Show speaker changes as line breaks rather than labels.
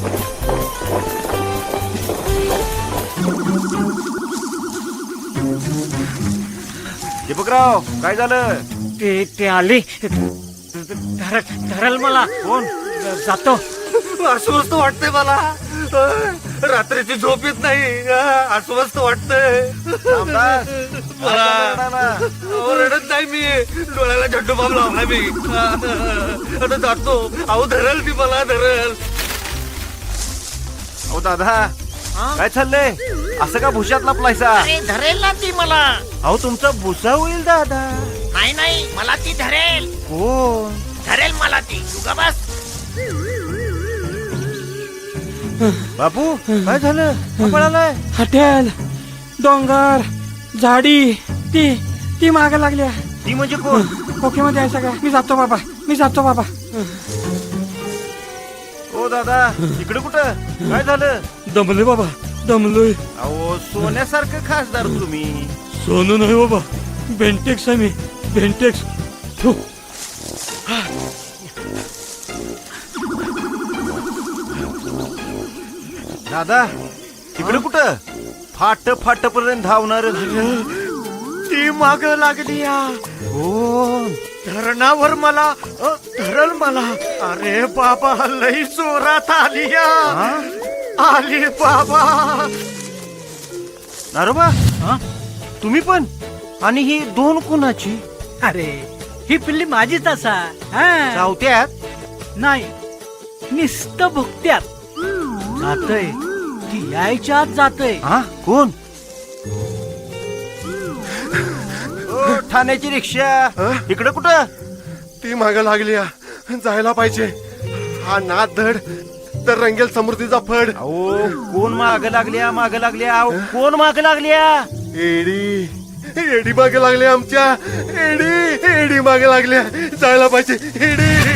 दीपकराव काय झालं?
ते आले धरल मला.
कोण?
जातो.
अस्वस्थ वाटतंय मला. रात्रीची झोप येत नाही. अस्वस्थ वाटतंय.
रामदास,
मला
काय झालं?
रडत नाही मी. डोळ्याला झड्डू बाब लावला मी. आता जातो. अहो धरल ती मला धरल.
अहो दादा काय चाललंय? असं का भुशात लपलायसा?
अरे धरेल ना ती मला.
अहो तुमचा भुसा होईल दादा.
नाही नाही मला ती धरेल.
कोण?
धरेल मला ती. तू का बस.
बापू काय झालं? का पळालाय?
हॉटेल डोंगर झाडी ती माग लागल्या.
ती म्हणजे कोण?
ओके मध्ये आहे सगळं. मी जातो बाबा.
ओ दादा इकडे कुठं? काय झालं?
दमलोय बाबा दमलोय.
अहो सोन्यासारखं खासदार तुम्ही.
सोनू नाही बाबा बेंटेक्स आहे मी. बेंटेक्स.
दादा तिकडे कुठं? फाट पर्यंत धावणार.
ती माग लागली.
कोण?
धरणावर मला धरल मला. अरे बाबा लई जोरात आली. आली बाबा.
नारोबा तुम्ही पण? आणि ही दोन कुणाची?
अरे ही पिल्ली माझीच असा.
चावत्यात?
नाही निस्त भुकत्यात. जातय ती यायच्या आत जातय.
हा कोण? ओ, ठाण्याची रिक्षा इकडे कुठं?
ती माग लागली. जायला पाहिजे. हा नाद धड तर रंगेल समृद्धीचा फड.
अहो कोण माग लागल्या? अहो कोण माग लागल्या?
एडी मागे लागले आमच्या. एडी मागे लागल्या. जायला पाहिजे. एडी